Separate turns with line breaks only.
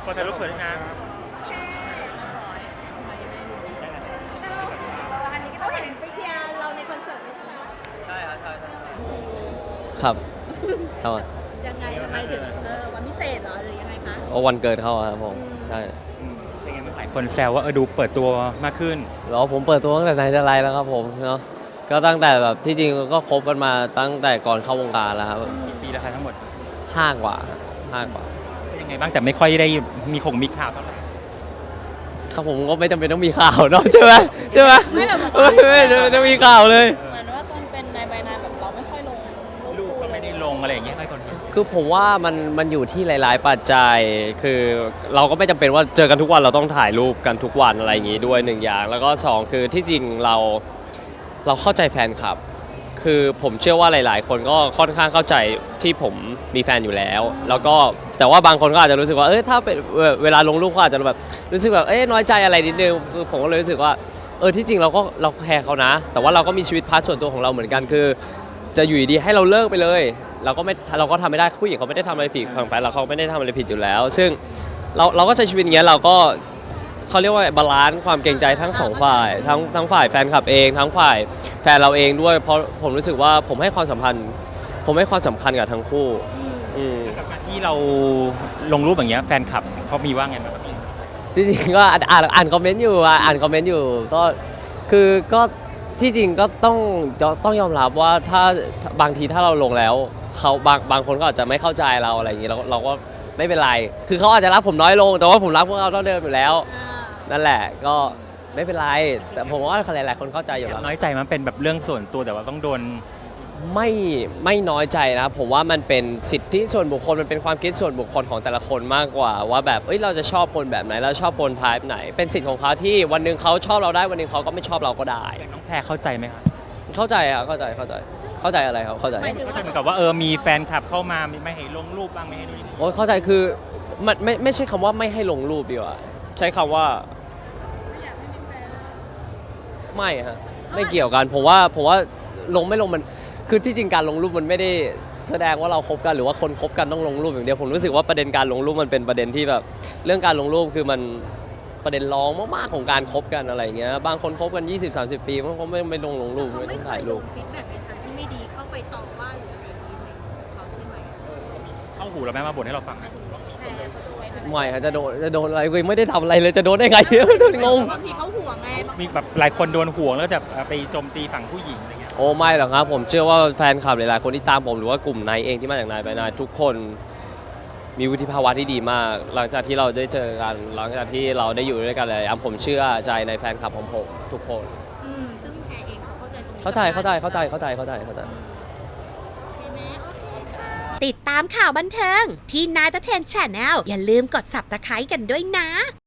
ขอถ่ายรูปเผื่อด้วยนะ
อันนี้ก็เห็นไปเชียร์เราในคอนเสิร์ตใช่ไหม
ใช่ครับใช่
ครับครับ
ยังไงถึงวันพิเศษเหรอหรือยังไงคะ
ก็วันเกิดเขาครับผมใช่
เป็นไงบ้างหลายคนแซวว่าดูเปิดตัวมากขึ้น
แล้วผมเปิดตัวตั้งแต่ไหนแต่ไรแล้วครับผมเนาะก็ตั้งแต่แบบที่จริงก็คบกันมาตั้งแต่ก่อนเข้าวงการแล้วครับ
กี่ปีแล้วคะทั้งหมด
5 กว่า5 กว่า
เป็นยังไงบ้างแต่ไม่ค่อยได้มีข่าวเท่าไหร่
ครับผมก็ไม่จำเป็นต้องมีข่าวเนาะใช่ไหม
ไม่แบบ
ไม่ต้องมีข่าวเลย
เหมือนว่าตอนเป็นนายใบนายแบบเราไม่ค่อยลง
รูปก็ไม่ได้ลงอะไรอย่างเงี้ยให้คน
คือผมว่ามันอยู่ที่หลายๆปัจจัยคือเราก็ไม่จำเป็นว่าเจอกันทุกวันเราต้องถ่ายรูปกันทุกวันอะไรอย่างงี้ด้วย1 อย่างแล้วก็2คือที่จริงเราเข้าใจแฟนคลับคือผมเชื่อว่าหลายๆคนก็ค่อนข้างเข้าใจที่ผมมีแฟนอยู่แล้วแล้วก็แต่ว่าบางคนก็อาจจะรู้สึกว่าถ้าเป็นเวลาลงรูปก็อาจจะแบบรู้สึกแบบน้อยใจอะไรนิดนึงคือผมก็เลยรู้สึกว่าที่จริงเราแคร์เขานะแต่ว่าเราก็มีชีวิตพาร์ทส่วนตัวของเราเหมือนกันคือจะอยู่ดีให้เราเลิกไปเลยเราก็ทำไม่ได้ผู้หญิงเขาไม่ได้ทำอะไรผิดฝั่งแฟนเราเขาไม่ได้ทำอะไรผิดอยู่แล้วซึ่งเราก็ใช้ชีวิตอย่างเงี้ยเราก็เขาเรียกว่าบาลานซ์ความเกรงใจทั้ง2 ฝ่ายทั้งฝ่ายแฟนคลับเองทั้งฝ่ายแฟนเราเองด้วยเพราะผมรู้สึกว่าผมให้ความสำคัญกับทั้งคู่
กับการที่เราลงรูปอย่างเงี้ยแฟนคลับเขามีว่าไงบ้าง
จริงๆก็อ่านคอมเมนต์อยู่ก็คือก็ที่จริงก็ต้องยอมรับว่าถ้าบางทีถ้าเราลงแล้วเขาบางคนก็อาจจะไม่เข้าใจเราอะไรอย่างงี้เราก็ไม่เป็นไรคือเขาอาจจะรักผมน้อยลงแต่ว่าผมรักพวกเขาเท่าเดิมอยู่แล้วนั่นแหละก็ไม่เป็นไรแต่ผมว่าหลายๆคนเข้าใจอยู่แล้ว
น้อยใจมันเป็นแบบเรื่องส่วนตัวแต่ว่าต้องโดน
ไม่น้อยใจนะผมว่ามันเป็นสิทธิส่วนบุคคลมันเป็นความคิดส่วนบุคคลของแต่ละคนมากกว่าว่าแบบเราจะชอบคนแบบไหนเราชอบคนไทป์ไหนเป็นสิทธิ์ของเขาที่วันนึงเขาชอบเราได้วันนึงเขาก็ไม่ชอบเราก็ได้
น้องแพรเข้าใจไหมครับ
เข้าใจครับเข้าใจอะไรครับเข้าใจ
เหมือนกับว่ามีแฟนคลับเข้ามาไม่ให้ลงรูปบ้างไม่ให้ดู
โอ้เข้าใจคือมันไม่ใช่คำว่าไม่ให้ลงรูปดีกว่าใช้คำว่าไม่ฮะไม่เกี่ยวกันผมว่าลงไม่ลงมันคือที่จริงการลงรูปมันไม่ได้แสดงว่าเราคบกันหรือว่าคนคบกันต้องลงรูปอย่างเดียวผมรู้สึกว่าประเด็นการลงรูปมันเป็นประเด็นที่แบบเรื่องการลงรูปคือมันประเด็นรองมากๆของการคบกันอะไรเงี้ยบางคนคบกัน 20-30 ปีมันก็ไม่ลงรูป
ไม่ต้องถ่ายรูปฟีดแบ็กในทางที่ไม่ดีเข้าไปต่อว่าหรืออะไรอย่างนี้เขาใช่ไหม
เข้าหูเราแม่มาบ่นให้เราฟัง
ไม่ฮะจะโดนอะไรกูไม่ได้ทำอะไรเลยจะโดนได้ไงงง
บางทีเขาห่วงไง
มีแบบหลายคนโดนห่วงแล้วจะไปโจมตีฝั่งผู้หญิงอะไรเงี้ย
โอ้ไม่หรอกครับผมเชื่อว่าแฟนคลับหลายๆคนที่ตามผมหรือว่ากลุ่มนายเองที่มาจากนายไปนายทุกคนมีวุฒิภาวะที่ดีมากหลังจากที่เราได้เจอกันหลังจากที่เราได้อยู่ด้วยกันเลยผมเชื่อใจในแฟนคลับของผมทุกคน
ซึ่งแพรเองเขาเข้าใจตรงนี้
เข้าใจ
ติดตามข่าวบันเทิงพี่นายตะเทนแชนแนลอย่าลืมกด Subscribe กันด้วยนะ